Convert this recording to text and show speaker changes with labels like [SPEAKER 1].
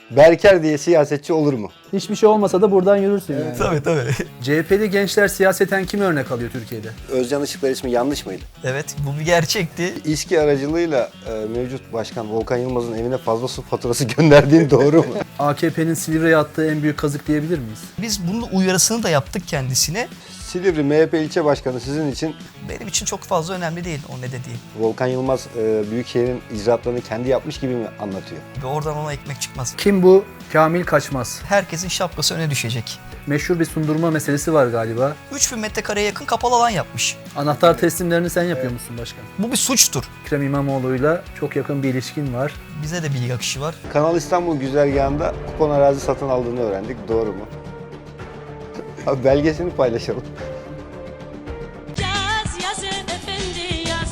[SPEAKER 1] Berker diye siyasetçi olur mu?
[SPEAKER 2] Hiçbir şey olmasa da buradan yürürsün yani.
[SPEAKER 3] Tabii.
[SPEAKER 2] CHP'li gençler siyaseten kimi örnek alıyor Türkiye'de?
[SPEAKER 1] Özcan Işıklar ismi yanlış mıydı?
[SPEAKER 3] Evet, bu bir gerçekti.
[SPEAKER 1] İSKİ aracılığıyla mevcut başkan Volkan Yılmaz'ın evine fazla su faturası gönderdiğin doğru mu?
[SPEAKER 2] AKP'nin Silivri'ye attığı en büyük kazık diyebilir miyiz?
[SPEAKER 3] Biz bunun uyarısını da yaptık kendisine.
[SPEAKER 1] Silivri MHP ilçe başkanı sizin için
[SPEAKER 3] Benim için çok fazla önemli değil o ne dediği.
[SPEAKER 1] Volkan Yılmaz Büyükşehir'in icraatlarını kendi yapmış gibi mi anlatıyor?
[SPEAKER 3] Ve oradan ona ekmek çıkmaz.
[SPEAKER 2] Kim bu? Kamil Kaçmaz.
[SPEAKER 3] Herkesin şapkası öne düşecek.
[SPEAKER 2] Meşhur bir sundurma meselesi var galiba.
[SPEAKER 3] 3000 metrekareye yakın kapalı alan yapmış.
[SPEAKER 2] Anahtar teslimlerini sen yapıyor musun başkan?
[SPEAKER 3] Bu bir suçtur.
[SPEAKER 2] Ekrem İmamoğlu'yla çok yakın bir ilişkin var.
[SPEAKER 3] Bize de bilgi akışı var.
[SPEAKER 1] Kanal İstanbul güzergahında kupon arazi satın aldığını öğrendik. Doğru mu? Abi belgesini paylaşalım.